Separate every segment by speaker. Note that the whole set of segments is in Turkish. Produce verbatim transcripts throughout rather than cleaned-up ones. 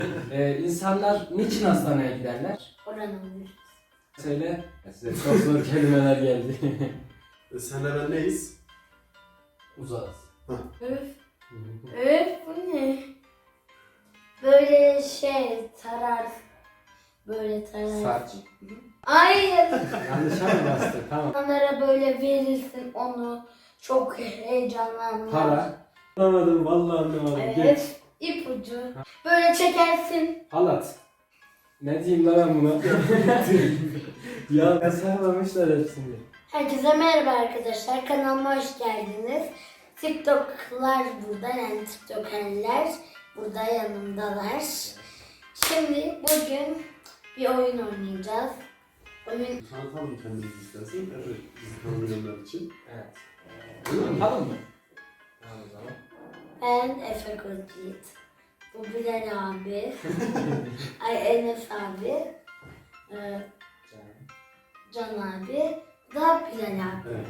Speaker 1: Ee, insanlar niçin hastaneye giderler?
Speaker 2: Koronavirüs.
Speaker 1: Söyle. Size çok zor kelimeler geldi.
Speaker 3: E, senle ben neyiz?
Speaker 1: Uzağız.
Speaker 2: Öf. Öf bu ne? Böyle şey tarar. Böyle tarar.
Speaker 1: Saç.
Speaker 2: Hayır.
Speaker 1: Yanlışa mı bastı? Tamam.
Speaker 2: İnsanlara böyle verirsin onu. Çok heyecanlanırlar.
Speaker 1: Para. Anlamadım, vallahi anlamadım. Geç.
Speaker 2: Evet. İpucu. Böyle çekersin.
Speaker 1: Halat. Ne diyeyim lan ben buna? Ya yazamamışlar hepsini.
Speaker 2: Herkese merhaba arkadaşlar. Kanalıma hoş geldiniz. TikTok'lar burada, yani TikTokerler burada yanımdalar. Şimdi bugün bir oyun oynayacağız. Oyun
Speaker 3: Tanıtalım kendimizi istersen. Evet, bizi tanımayanlar için.
Speaker 1: Evet. Anlatalım mı? Tamam o zaman.
Speaker 2: ben Efe Kocit. Bu Bilal abi. Ay Enes abi. Ee, Can abi. Bu da Bilal abi.
Speaker 3: Evet.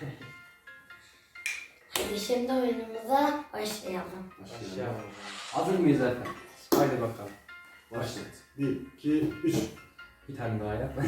Speaker 2: Hadi şimdi oyunumuza başlayalım.
Speaker 1: Başlayalım. Hazır mıyız efendim? Haydi bakalım.
Speaker 3: Başlat. Bir, iki, üç.
Speaker 1: Bir tane daha yap.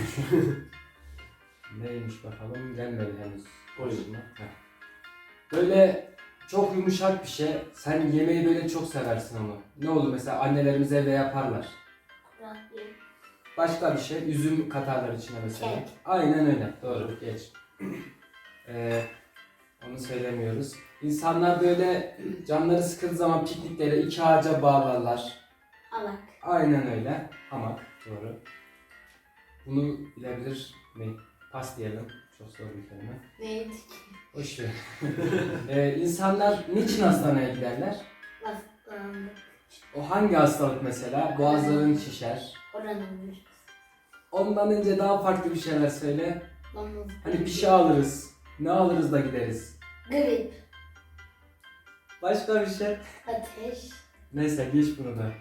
Speaker 1: Neymiş bakalım? Gelmedi henüz.
Speaker 3: Oyun.
Speaker 1: Heh. Böyle çok yumuşak bir şey. Sen yemeği böyle çok seversin ama. Ne olur mesela annelerimiz evde yaparlar.
Speaker 2: Kurabiye.
Speaker 1: Başka bir şey. Üzüm katarlar içine mesela.
Speaker 2: Kek.
Speaker 1: Aynen öyle. Doğru. Geç. Ee, onu söylemiyoruz. İnsanlar böyle canları sıkıldığı zaman pikniklere iki ağaca bağlarlar.
Speaker 2: Alak.
Speaker 1: Aynen öyle. Hamak. Doğru. Bunu bilebilir mi? Pas diyelim. Çok zor bir kelime.
Speaker 2: Neydi ki?
Speaker 1: Hoş ver. ee, insanlar niçin hastaneye giderler?
Speaker 2: Hastalandık.
Speaker 1: O hangi hastalık mesela? Boğazların şişer.
Speaker 2: Koronavirüs.
Speaker 1: Ondan önce daha farklı bir şeyler söyle.
Speaker 2: Domuz.
Speaker 1: Hani bir şey alırız. Ne alırız da gideriz.
Speaker 2: Grip.
Speaker 1: Başka bir şey.
Speaker 2: Ateş.
Speaker 1: Neyse geç bunu da.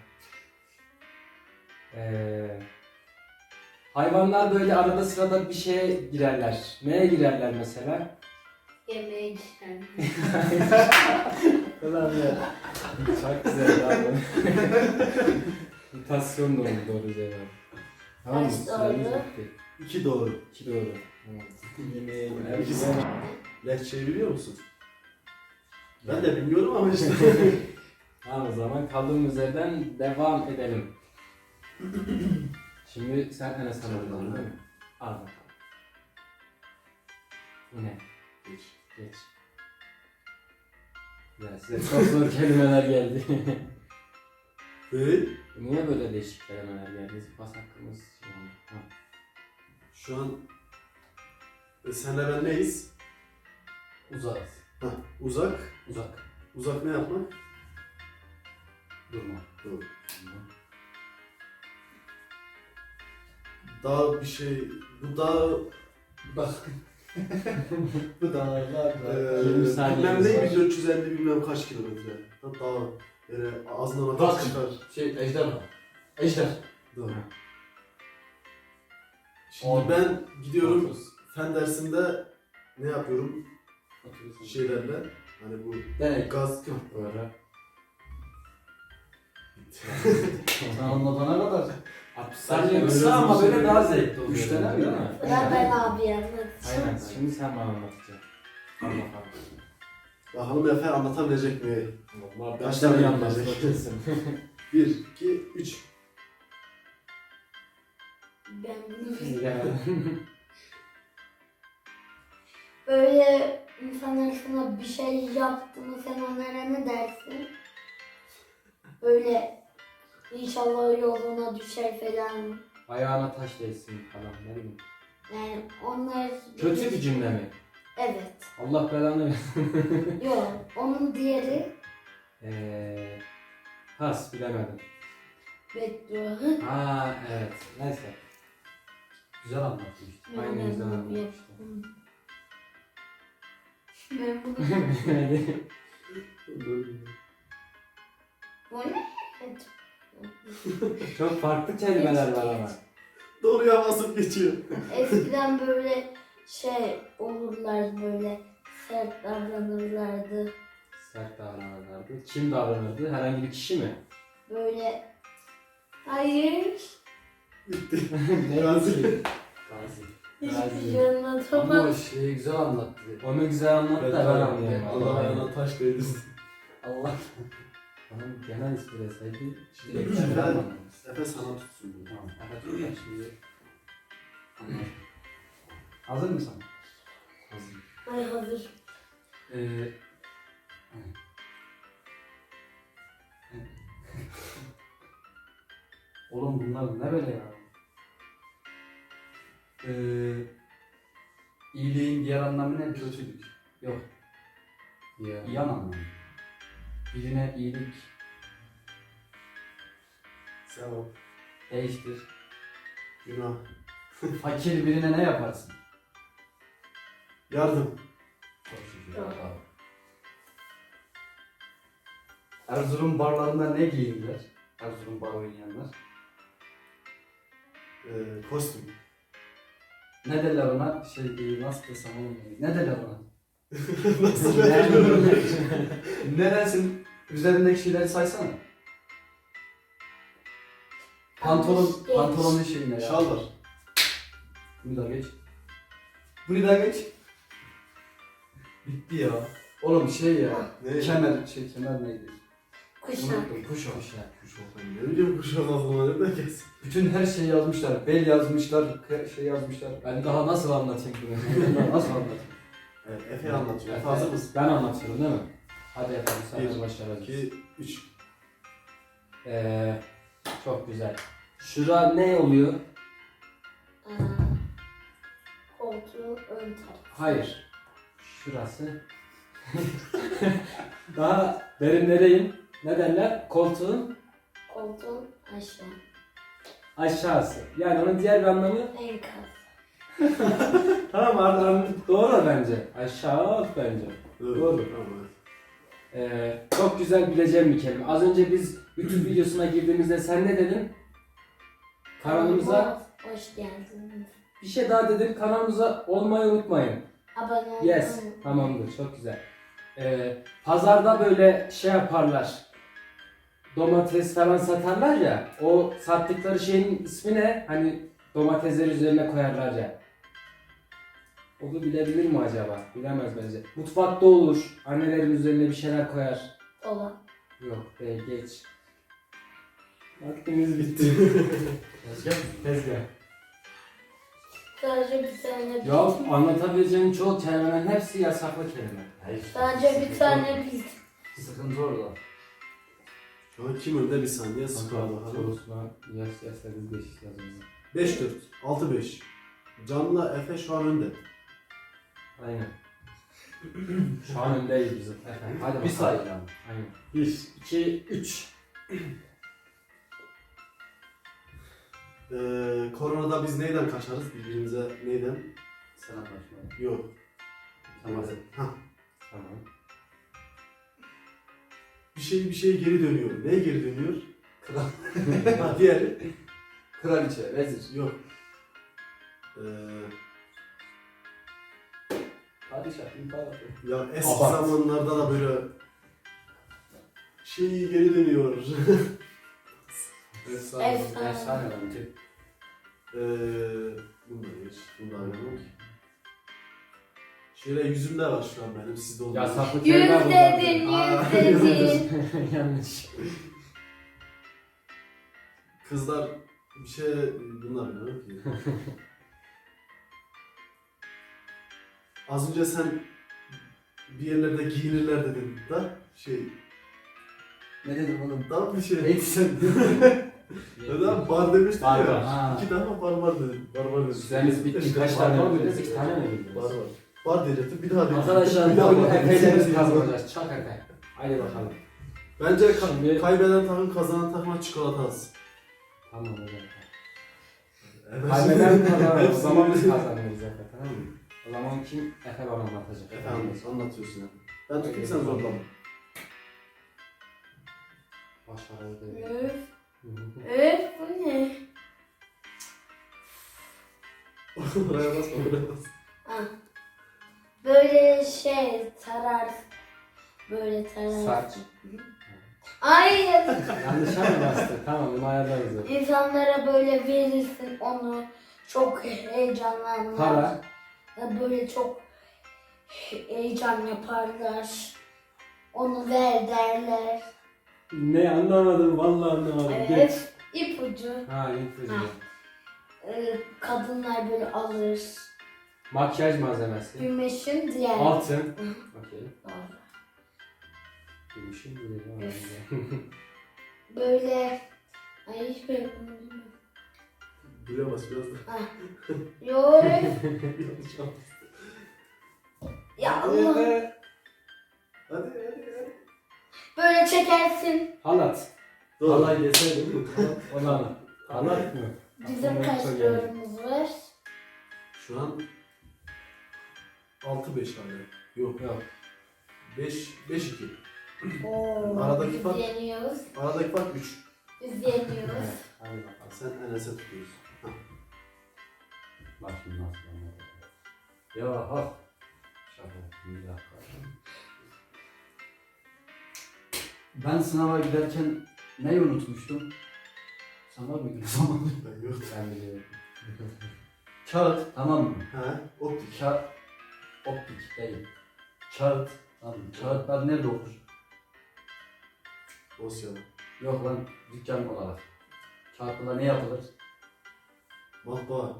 Speaker 1: Ee, hayvanlar böyle arada sırada bir şeye girerler. Neye girerler mesela?
Speaker 2: Yemeğe giren.
Speaker 1: Ulan ya. Çok güzel abi. Mutasyon da oldu doğru cevap. Tamam mı?
Speaker 2: Kaç
Speaker 1: Süremiz
Speaker 2: doğru?
Speaker 1: bitti.
Speaker 3: İki doğru.
Speaker 1: İki doğru. Evet. Yemeğe girer.
Speaker 3: İkisi. Lehçeyi biliyor musun? Ben de bilmiyorum ama işte.
Speaker 1: Tamam o zaman kaldığımız yerden devam edelim. Şimdi sen Enes anladın değil mi? Al bakalım. Bu ne?
Speaker 3: Geç.
Speaker 1: Geç. Ya size çok zor kelimeler geldi.
Speaker 3: Hey.
Speaker 1: Niye böyle değişik kelimeler geldi? Pas hakkımız şey oldu. Ha.
Speaker 3: Şu an e, senle ben neyiz?
Speaker 1: Uzağız.
Speaker 3: Hah, uzak.
Speaker 1: Uzak.
Speaker 3: Uzak ne yapmak?
Speaker 1: Durma.
Speaker 3: Doğru.
Speaker 1: Durma.
Speaker 3: Dağ bir şey. Bu dağ.
Speaker 1: Bak.
Speaker 3: Bu dağlar.
Speaker 1: yirmi
Speaker 3: Eee
Speaker 1: saniye
Speaker 3: bilmem
Speaker 1: var.
Speaker 3: ne bin dört yüz elli bilmem kaç kilometre. Da dağ. Yani ağzından
Speaker 4: Bak.
Speaker 3: ateş çıkar.
Speaker 4: Şey ejder mi? Ejder.
Speaker 3: Doğru.
Speaker 1: Ha.
Speaker 3: Şimdi
Speaker 4: On.
Speaker 3: ben gidiyorum
Speaker 1: Otuz.
Speaker 3: fen dersinde ne yapıyorum
Speaker 1: Otuz.
Speaker 3: şeylerle hani bu
Speaker 4: Denek.
Speaker 3: gaz
Speaker 1: Doğru.
Speaker 4: Sen anlatana kadar.
Speaker 1: altmış
Speaker 3: Sanki
Speaker 1: saniye
Speaker 3: öyle
Speaker 1: kısa ama
Speaker 3: bir
Speaker 1: böyle
Speaker 3: şey-
Speaker 1: daha zevkli oluyor.
Speaker 4: Üç tane mi?
Speaker 1: Değil mi?
Speaker 2: Sıra ben abi
Speaker 1: Aynen.
Speaker 2: anlatacağım.
Speaker 1: Şimdi sen bana anlatacaksın. Al bakalım.
Speaker 3: bakalım Efe anlatabilecek mi?
Speaker 1: Vallahi
Speaker 3: Kaç
Speaker 1: ben
Speaker 3: tane
Speaker 1: seni
Speaker 3: yanlış?
Speaker 1: anlatmak kesin.
Speaker 3: bir, iki, üç.
Speaker 2: Ben bunu bilmiyorum.
Speaker 1: Ya.
Speaker 2: Böyle insanlar sana bir şey yaptı mı sen onlara ne dersin? Böyle inşallah yoluna düşer falan.
Speaker 1: Ayağına taş değsin falan ne bileyim.
Speaker 2: Yani onlar...
Speaker 1: Kötü bir cümle mi?
Speaker 2: Evet.
Speaker 1: Allah belanı versin.
Speaker 2: Yok. Onun diğeri
Speaker 1: Eee... Pas bilemedim.
Speaker 2: beddua.
Speaker 1: Aa evet. Neyse.
Speaker 4: Güzel anlattın işte.
Speaker 1: Aynen
Speaker 2: Ben
Speaker 1: güzel
Speaker 2: bunu
Speaker 1: anlatmıştım.
Speaker 2: yaptım. Ben bunu... Bu ne?
Speaker 1: Çok farklı kelimeler var ama.
Speaker 3: Doğruya basıp geçiyor.
Speaker 2: Eskiden böyle şey olurlar, böyle sert davranırlardı.
Speaker 1: Sert davranırlardı. Kim davranırdı? Herhangi bir kişi mi?
Speaker 2: Böyle Hayır.
Speaker 1: Ne
Speaker 3: Gazi.
Speaker 4: Gazi.
Speaker 2: Hiçbir şey
Speaker 4: Ama
Speaker 2: anlatamam.
Speaker 4: o şeyi güzel anlattı.
Speaker 1: Onu güzel anlat da ben anlayayım.
Speaker 3: Allah ayağına taş değdirsin.
Speaker 4: Allah.
Speaker 1: Onun genel ismi deseydi.
Speaker 4: Şimdi
Speaker 3: Efe,
Speaker 4: güzel anlattı.
Speaker 3: Efe sana tutsun bunu.
Speaker 4: Tamam. Evet, dur ben şimdi. Anladım. Hazır mısın?
Speaker 3: Hazır.
Speaker 2: Ay hazır.
Speaker 4: Ee, Oğlum bunlar ne böyle ya? Ee, iyiliğin diğer anlamı ne? Kötülük. Yok.
Speaker 1: Ya.
Speaker 4: İyi anlamı. Birine iyilik
Speaker 3: Sevap.
Speaker 4: değiştir.
Speaker 3: Günah.
Speaker 4: Fakir birine ne yaparsın?
Speaker 3: Yardım.
Speaker 4: Çok şükür.
Speaker 2: Yok.
Speaker 4: Erzurum barlarında ne giyinirler? Erzurum bar oynayanlar.
Speaker 3: Ee, kostüm.
Speaker 4: Ne derler ona? Şey e, nasıl desem oğlum? Ne derler ona?
Speaker 3: Nasıl veriyorum?
Speaker 4: Ne dersin? Üzerindeki şeyleri saysana. Pantolon,
Speaker 2: Geç.
Speaker 4: pantolonun şeyine ya.
Speaker 3: Şal var.
Speaker 4: Bunu da geç. Bunu da geç. Bitti ya. Oğlum şey ya.
Speaker 3: Ne?
Speaker 4: Kemer, şey kemer neydi?
Speaker 2: Kuşak.
Speaker 4: Unuttum. Kuşak.
Speaker 3: Kuşak. Ne bileyim kuşak aklıma nereden gelsin?
Speaker 4: Bütün her şeyi yazmışlar. Bel yazmışlar, kı- şey yazmışlar.
Speaker 1: Ben daha nasıl anlatayım bunu?
Speaker 4: Bunlar nasıl anlatayım?
Speaker 3: Evet, Efe anlatıyor. Efe hazır mısın?
Speaker 1: Ben anlatıyorum değil mi? Hadi yapalım. Sen
Speaker 3: Bir,
Speaker 1: de başlayalım.
Speaker 3: iki, üç.
Speaker 1: Ee, çok güzel. Şura ne oluyor?
Speaker 2: Aa, koltuğun ön tarafı.
Speaker 1: Hayır. Şurası. Daha derinlereyim. Ne derler? Koltuğun
Speaker 2: Koltuğun aşağı.
Speaker 1: aşağısı. Yani onun diğer bir anlamı
Speaker 2: Enkaz.
Speaker 1: tamam anladım. Doğru bence. Aşağı bence. Doğru.
Speaker 3: Tamam.
Speaker 1: Ee, çok güzel bileceğim bir kelime. Az önce biz YouTube videosuna girdiğimizde sen ne dedin? Kanalımıza
Speaker 2: Hoş geldiniz.
Speaker 1: bir şey daha dedin. Kanalımıza olmayı unutmayın.
Speaker 2: Abone olmayı
Speaker 1: Yes.
Speaker 2: unutmayın.
Speaker 1: Tamamdır. Çok güzel. Ee, pazarda böyle şey yaparlar. Domates falan satarlar ya. O sattıkları şeyin ismi ne? Hani domatesler üzerine koyarlar ya. Onu bilebilir mi acaba? Bilemez bence. Mutfakta olur. Annelerin üzerine bir şeyler koyar.
Speaker 2: Dolap.
Speaker 1: Yok değil geç. Vaktimiz bitti.
Speaker 4: Tezgah mı?
Speaker 1: Tezgah.
Speaker 2: Sadece bir tane
Speaker 1: Ya anlatabileceğin çoğu kelimenin hepsi yasaklı kelime.
Speaker 4: Hayır.
Speaker 2: Sadece bir tane biz.
Speaker 4: Sıkıntı orada.
Speaker 3: Şu an kim önde bir saniye skor bakalım.
Speaker 1: Sorusuna yas yasadık beş yazımızı.
Speaker 3: beş dört. altı beş. Can'la Efe şu an önde.
Speaker 1: Aynen. Şu an öndeyiz bizim. Efendim. Hadi
Speaker 4: Bir
Speaker 1: bakalım.
Speaker 4: sayı yani.
Speaker 1: Aynen.
Speaker 3: bir.
Speaker 1: iki, üç.
Speaker 3: Ee, koronada biz neyden kaçarız? Birbirimize neyden?
Speaker 4: Selam başlayalım.
Speaker 3: Yok.
Speaker 4: Tamam.
Speaker 3: Hah.
Speaker 1: Tamam.
Speaker 3: Bir şey bir şey geri dönüyor. Neye geri dönüyor?
Speaker 4: Kral.
Speaker 3: Ha diğeri.
Speaker 4: Kraliçe, vezir.
Speaker 3: Yok. Ee,
Speaker 4: Padişah, imparator.
Speaker 3: ya eski
Speaker 1: Abart.
Speaker 3: zamanlarda da böyle şey geri dönüyor.
Speaker 4: Efsane.
Speaker 2: Efsane.
Speaker 4: Efsane bence.
Speaker 3: Ee, bunu da geç. Bunu da ayrılmak. Şöyle yüzümde var şu an benim. Sizde olmuyor.
Speaker 1: Yasaklı
Speaker 2: Yüz
Speaker 1: kelime
Speaker 2: dedin,
Speaker 3: Aa,
Speaker 2: yüz dedin.
Speaker 1: Yanlış.
Speaker 3: Kızlar bir şey bunlar bilmiyorum ki. Az önce sen bir yerlerde giyinirler dedin da şey
Speaker 4: Ne dedim oğlum?
Speaker 3: daha bir şey.
Speaker 4: Neydi sen?
Speaker 3: Neden bar demiştin
Speaker 1: Bar
Speaker 3: ya.
Speaker 1: var.
Speaker 4: Ha.
Speaker 3: İki tane bar var dedim. Bar var dedim.
Speaker 1: Süremiz bitti.
Speaker 3: İşte
Speaker 1: Kaç
Speaker 3: bar
Speaker 1: tane
Speaker 3: var
Speaker 1: bildiniz?
Speaker 3: dedim.
Speaker 1: İki tane mi bildiniz?
Speaker 3: Bar var. Bar diyecektim bir daha diyecektim.
Speaker 1: Arkadaşlar
Speaker 3: Bir
Speaker 1: bu
Speaker 3: daha
Speaker 1: oyunu
Speaker 3: bar
Speaker 1: epeyce biz
Speaker 3: diyecektim.
Speaker 1: kazanacağız. Çok epey. Haydi bakalım.
Speaker 3: Bence ka-
Speaker 1: Şimdi-
Speaker 3: kaybeden takım kazanan takıma çikolata alsın.
Speaker 1: Tamam hocam.
Speaker 3: Evet.
Speaker 1: Kaybeden kazanır. O
Speaker 3: Hepsini-
Speaker 1: zaman biz kazanırız zaten, tamam mı? O zaman kim Efe bana anlatacak?
Speaker 3: Efendim anlatıyorsun ya. Ben tutayım sen zorlama.
Speaker 1: Başarılı değil.
Speaker 2: Öf. Öf bu ne?
Speaker 3: Oraya basma oraya basma.
Speaker 2: Ah. Böyle şey tarar. Böyle tarar.
Speaker 1: Saç.
Speaker 2: Ay
Speaker 1: Yanlışa mı bastı? Tamam bunu ayarlarız.
Speaker 2: insanlara böyle verirsin onu. Çok heyecanlanırlar.
Speaker 1: Para.
Speaker 2: Ya böyle çok heyecan yaparlar. Onu ver derler.
Speaker 1: Ne anlamadım vallahi anlamadım.
Speaker 2: Evet. ipucu.
Speaker 1: Ha ipucu.
Speaker 2: Ha. Ee, kadınlar böyle alır.
Speaker 1: Makyaj malzemesi.
Speaker 2: Gümüşün diğer.
Speaker 1: Altın.
Speaker 2: Hı.
Speaker 1: Okey.
Speaker 2: Doğru.
Speaker 1: Gümüşün gibi.
Speaker 2: Böyle ay hiç böyle bunu bilmiyorum.
Speaker 3: Buraya bas biraz da.
Speaker 2: Ha. Yok.
Speaker 3: Yanlış yaptım.
Speaker 2: Ya Allah.
Speaker 3: Hadi hadi hadi.
Speaker 2: Böyle çekersin.
Speaker 1: Halat.
Speaker 3: Doğru.
Speaker 4: Vallahi deseydim.
Speaker 1: Onu anlat. Halat mı?
Speaker 2: Bizim
Speaker 1: Aklıma
Speaker 2: kaç
Speaker 1: çok geldi.
Speaker 2: doğrumuz var?
Speaker 3: Şu an altı beş hala. Yok.
Speaker 1: Yok.
Speaker 3: beş beş iki.
Speaker 2: Oo,
Speaker 3: Aradaki
Speaker 2: biz
Speaker 3: fark-
Speaker 2: yeniyoruz.
Speaker 3: Aradaki fark üç.
Speaker 2: Biz yeniyoruz.
Speaker 1: Evet. Hadi bakalım.
Speaker 3: Sen Enes'e tutuyorsun. Hah.
Speaker 4: Bak şimdi nasıl anladım. Ya ha. Şaka. Bir dakika. Ben sınava giderken neyi unutmuştum? Sen var mıydın o zaman?
Speaker 3: Ben yok.
Speaker 1: Ben biliyorum.
Speaker 4: Kağıt, tamam mı?
Speaker 3: Ha, optik.
Speaker 4: Kağıt, optik değil. Kağıt, tamam mı? Kağıtlar nerede olur?
Speaker 3: Dosyalı.
Speaker 4: Yok lan, dükkan olarak. Kağıtla ne yapılır?
Speaker 3: Matbaa.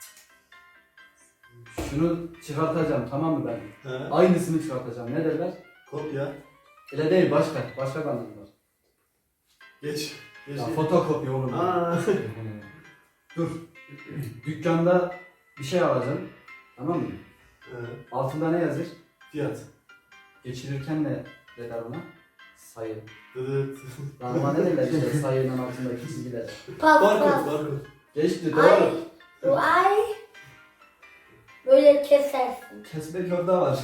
Speaker 4: Şunu çıkartacağım, tamam mı ben?
Speaker 3: Ha.
Speaker 4: Aynısını çıkartacağım. Ne derler?
Speaker 3: Kopya.
Speaker 4: Öyle değil, başka. Başka bir anlamı var.
Speaker 3: Geç. Geç.
Speaker 4: Ya, fotokopi oğlum.
Speaker 3: Aa.
Speaker 4: Dur. Dükkanda bir şey alacağım. Tamam mı?
Speaker 3: Ha.
Speaker 4: Altında ne yazır?
Speaker 3: Fiyat.
Speaker 4: Geçirirken ne derler ona? Sayı.
Speaker 3: Dıdıt.
Speaker 4: Lan ona ne derler işte sayının altındaki çizgiler.
Speaker 2: Pas
Speaker 3: Barkod.
Speaker 2: pas.
Speaker 3: Barkod.
Speaker 4: Geçti
Speaker 2: Ay.
Speaker 4: doğru.
Speaker 2: Bu ay. Böyle kesersin.
Speaker 4: Kesmek orada var.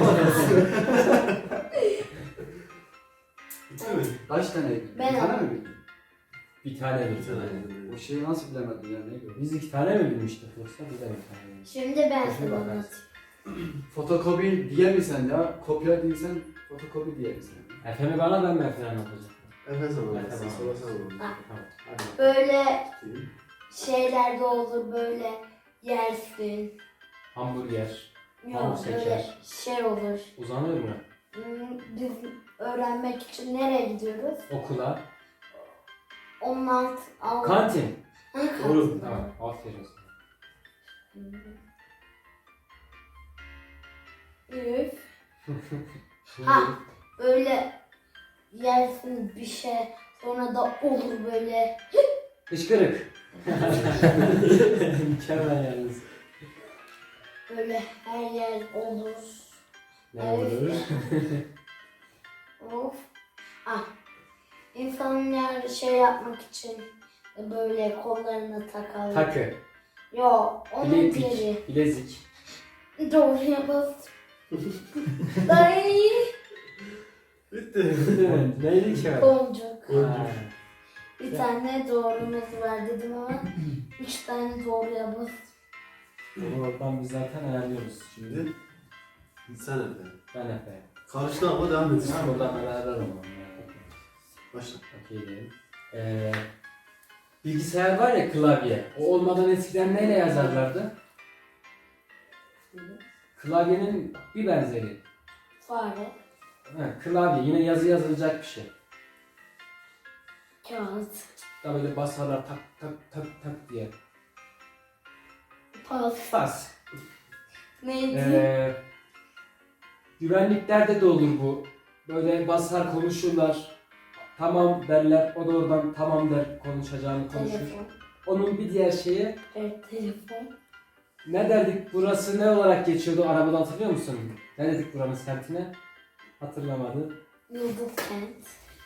Speaker 3: Bitti mi?
Speaker 4: Kaç tane bildin?
Speaker 2: Ben
Speaker 4: Bir tane
Speaker 2: aldım.
Speaker 4: mi bildin?
Speaker 1: Bir tane
Speaker 3: Bir
Speaker 1: mi?
Speaker 3: tane.
Speaker 4: O şeyi nasıl bilemedin ya neydi o?
Speaker 1: Biz iki tane mi bilmiştik yoksa bir de bir tane mi?
Speaker 2: Şimdi ben
Speaker 1: Şimdi
Speaker 2: sana
Speaker 1: bakarsın.
Speaker 2: anlatayım.
Speaker 4: Fotokopi diyemisen ya, kopya değilsen fotokopi diyemisen.
Speaker 1: Efe'mi bana ben mi Efe'ni anlatacağım?
Speaker 3: Efe zaman.
Speaker 1: Efe
Speaker 3: Sen
Speaker 1: zaman.
Speaker 3: sonra sen zaman.
Speaker 2: Ha.
Speaker 1: Tamam. Hadi bakalım.
Speaker 2: Böyle
Speaker 3: Tutayım.
Speaker 2: şeyler de olur böyle yersin.
Speaker 1: Hamburger.
Speaker 2: Yok
Speaker 1: Hamur
Speaker 2: böyle
Speaker 1: seçer.
Speaker 2: şey olur.
Speaker 1: Uzanır mı?
Speaker 2: Hmm, Biz öğrenmek için nereye gidiyoruz?
Speaker 1: Okula.
Speaker 2: Onun alt... alt
Speaker 1: Kantin.
Speaker 2: Ha,
Speaker 1: Doğru.
Speaker 2: kantin.
Speaker 1: Tamam. Aferin sana.
Speaker 2: Üf.
Speaker 1: Şimdi
Speaker 2: Ha. Böyle yersin bir şey sonra da olur böyle.
Speaker 1: Işkırık. Mükemmel yalnız.
Speaker 2: Böyle her yer olur.
Speaker 1: Ne
Speaker 2: Evet.
Speaker 1: olur?
Speaker 2: Of. Ah. İnsanlar şey yapmak için böyle kollarına takarlar.
Speaker 1: Takı.
Speaker 2: Yok, onun
Speaker 1: Bileklik.
Speaker 2: diğeri.
Speaker 1: Bilezik.
Speaker 2: Doğruya bas. Ay,
Speaker 3: Bitti.
Speaker 1: Neydi ki o?
Speaker 2: boncuk.
Speaker 1: Ha.
Speaker 2: Bir tane doğrumuz var dedim ama üç tane doğruya bas.
Speaker 1: Onu oradan biz zaten ayarlıyoruz.
Speaker 3: Şimdi sen Efe.
Speaker 1: Ben Efe.
Speaker 3: Karıştı ama devam et.
Speaker 1: Ben buradan ben ayarlarım onu.
Speaker 3: Başla.
Speaker 1: Okey diyelim. Ee, bilgisayar var ya klavye. O olmadan eskiden neyle yazarlardı? Klavyenin bir benzeri.
Speaker 2: Fare,
Speaker 1: Ha, klavye yine yazı yazılacak bir şey.
Speaker 2: kağıt,
Speaker 1: Da böyle basarlar tak tak tak tak diye.
Speaker 2: pas.
Speaker 1: Bas.
Speaker 2: Neydi?
Speaker 1: Ee, güvenliklerde de olur bu. Böyle basar konuşurlar. Tamam derler. O da oradan tamam der konuşacağını konuşur.
Speaker 2: Telefon.
Speaker 1: Onun bir diğer şeyi
Speaker 2: Evet, telefon.
Speaker 1: ne derdik? Burası ne olarak geçiyordu arabada hatırlıyor musun? Ne dedik buranın semtine? Hatırlamadı.
Speaker 2: Yıldız kent.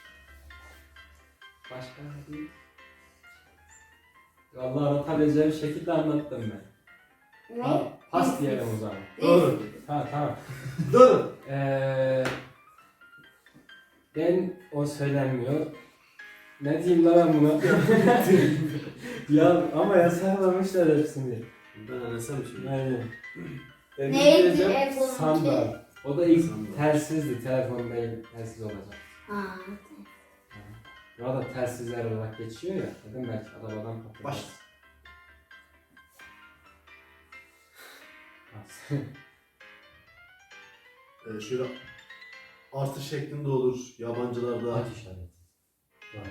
Speaker 1: Başka ne değil? Vallahi anlatabileceğim şekilde anlattım ben.
Speaker 2: Ne?
Speaker 1: Ha, pas
Speaker 2: İzmir.
Speaker 1: diyelim o zaman.
Speaker 3: Doğru.
Speaker 1: Ha tamam.
Speaker 3: Doğru.
Speaker 1: Ee, ben o söylenmiyor. Ne diyeyim lan ben buna? Ya ama yasaklamışlar hepsini.
Speaker 3: Ben Enes'e mi söyleyeyim?
Speaker 1: Aynen. Ben
Speaker 2: Neydi
Speaker 1: diyeceğim,
Speaker 2: en sonunki?
Speaker 1: Sandal. O da ilk
Speaker 3: Sandal.
Speaker 1: telsizdi. Telefon değil, telsiz olacak.
Speaker 2: Ha.
Speaker 1: Burada telsizler olarak geçiyor ya. Dedim belki arabadan patlar.
Speaker 3: Baş. Ee, şöyle artı şeklinde olur yabancılarda.
Speaker 4: Aç işareti. Var.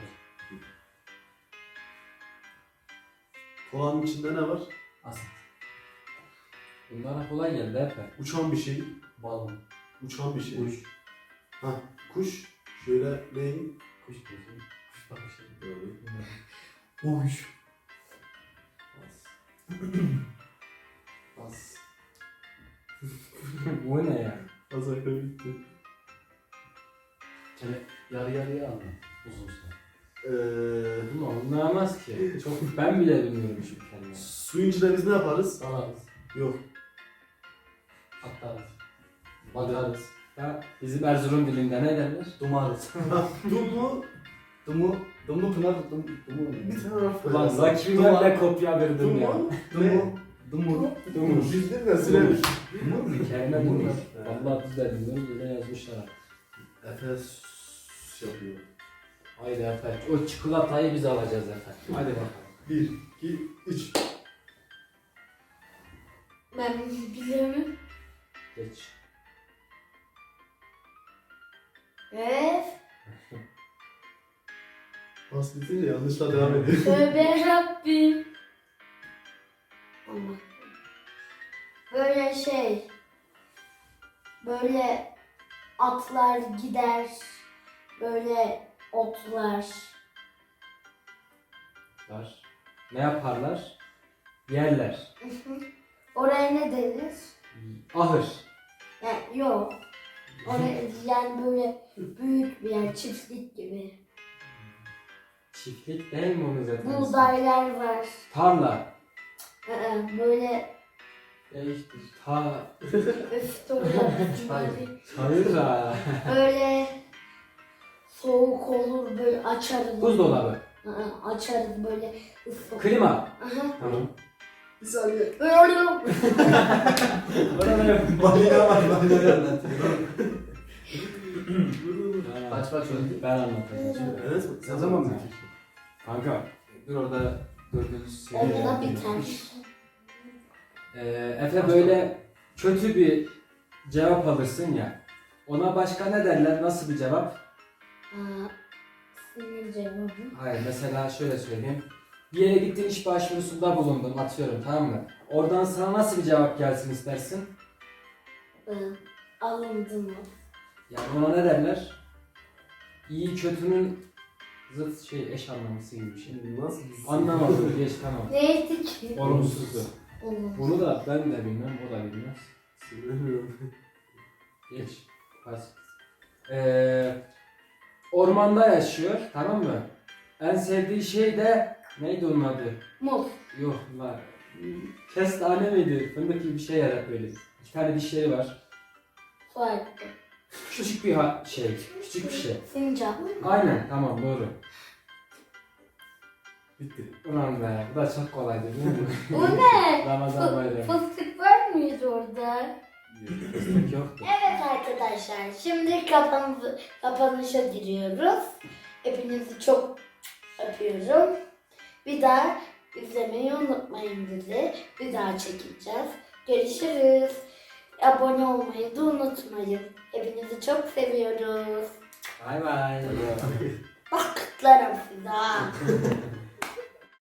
Speaker 3: Kolanın içinde ne var?
Speaker 4: Asit.
Speaker 1: Bunlara kolay geldi Efe.
Speaker 3: Uçan bir şey.
Speaker 4: Balon.
Speaker 3: Uçan bir şey.
Speaker 4: Kuş.
Speaker 3: Ha, kuş. Şöyle neyin?
Speaker 4: Kuş diyorsun. Kuş bakışı.
Speaker 3: Doğru.
Speaker 4: Kuş.
Speaker 3: Bas.
Speaker 1: Bu ne ya?
Speaker 3: Azarka bitti.
Speaker 4: Şöyle yarı yarıya anla. Uzun süre.
Speaker 3: Ee,
Speaker 1: Bunu anlayamaz ki. Çok ben bile bilmiyorum şu kelimeyi.
Speaker 3: suyun içinde biz ne yaparız?
Speaker 4: Salarız.
Speaker 3: Yok.
Speaker 4: Atlarız. Bakarız.
Speaker 1: Ya bizim Erzurum dilinde ne derler?
Speaker 4: Dumarız.
Speaker 3: Dumu
Speaker 4: Dumu. Dumu pınar. Dumu. Dumu.
Speaker 3: bir taraf
Speaker 1: Ulan Zaki'den kopya verdim ya.
Speaker 3: Dumu
Speaker 4: Dumu. Dumu.
Speaker 1: Dumur.
Speaker 3: Bildin de silemiş.
Speaker 4: Dumur mu?
Speaker 1: Kelime
Speaker 4: Dumur
Speaker 1: dumur.
Speaker 4: mu?
Speaker 1: Vallahi biz de bilmiyoruz öyle yazmışlar.
Speaker 3: Efes yapıyor.
Speaker 1: Haydi Efe. O çikolatayı biz alacağız Efe. Hadi bakalım.
Speaker 3: Bir, iki, üç.
Speaker 2: Ben biliyorum.
Speaker 1: Geç.
Speaker 2: Evet.
Speaker 3: Bas bitince yanlışla devam ediyor.
Speaker 2: Tövbe Rabbim. Allah. Böyle şey. Böyle atlar gider. Böyle otlar.
Speaker 1: Var. Ne yaparlar? Yerler.
Speaker 2: Oraya ne denir?
Speaker 1: Ahır.
Speaker 2: Yani yok. Oraya, yani böyle büyük bir yer, çiftlik gibi.
Speaker 1: Çiftlik değil mi onun zaten?
Speaker 2: Buğdaylar var.
Speaker 1: Tarla.
Speaker 2: Ee, Böyle
Speaker 1: Değiştir. Ta.
Speaker 2: öf torba
Speaker 1: Hayır ha.
Speaker 2: böyle soğuk olur böyle açarız.
Speaker 1: Buzdolabı.
Speaker 2: Aa, açarız böyle ısıt.
Speaker 1: Klima.
Speaker 2: Aha.
Speaker 1: Tamam.
Speaker 3: Bir saniye.
Speaker 2: Böyle oluyor.
Speaker 3: Balina var, balina.
Speaker 4: anlatıyor.
Speaker 1: Kaç bak şöyle. Ben anlatacağım şimdi.
Speaker 3: Evet,
Speaker 1: Ne zaman mı? Kanka. Dur orada gördüğünüz şey.
Speaker 2: Onda biter.
Speaker 1: Ee, Efe böyle kötü bir cevap alırsın ya. Ona başka ne derler? Nasıl bir cevap?
Speaker 2: Aa, sinir cevabı.
Speaker 1: Hayır mesela şöyle söyleyeyim. Bir yere gittin iş başvurusunda bulundun atıyorum tamam mı? Oradan sana nasıl bir cevap gelsin istersin?
Speaker 2: Ee, Alındı mı?
Speaker 1: Yani ona ne derler? İyi kötünün zıt şey eş anlamlısı gibi bir şey.
Speaker 3: Nasıl?
Speaker 1: Anlamadım geç tamam.
Speaker 2: Neydi ki?
Speaker 1: Olumsuzdu.
Speaker 2: Olumsuz.
Speaker 1: Bunu da ben de bilmem o da bilmez.
Speaker 3: Sinirleniyorum.
Speaker 1: Geç. Pas. Ee, ormanda yaşıyor tamam mı? En sevdiği şey de neydi onun adı?
Speaker 2: Muz.
Speaker 1: Yok var. Kestane miydi? Fındık gibi bir şey yarar böyle. İki tane dişleri var.
Speaker 2: Su hakkı.
Speaker 1: Küçük bir ha- şey. Küçük bir şey.
Speaker 2: Sincap.
Speaker 1: Aynen tamam doğru.
Speaker 3: Bitti.
Speaker 1: Ulan be bu da çok kolaydı değil mi?
Speaker 2: Bu ne?
Speaker 1: Ramazan bayramı.
Speaker 2: Fıstık var mıydı orada?
Speaker 1: Fıstık yoktu.
Speaker 2: Evet arkadaşlar, şimdi kapanışı, kapanışa giriyoruz. Hepinizi çok öpüyorum. Bir daha izlemeyi unutmayın bizi. Bir daha çekeceğiz. Görüşürüz. Abone olmayı da unutmayın. Hepinizi çok seviyoruz.
Speaker 1: Bay bay.
Speaker 2: Bak kutlarım sizi ha.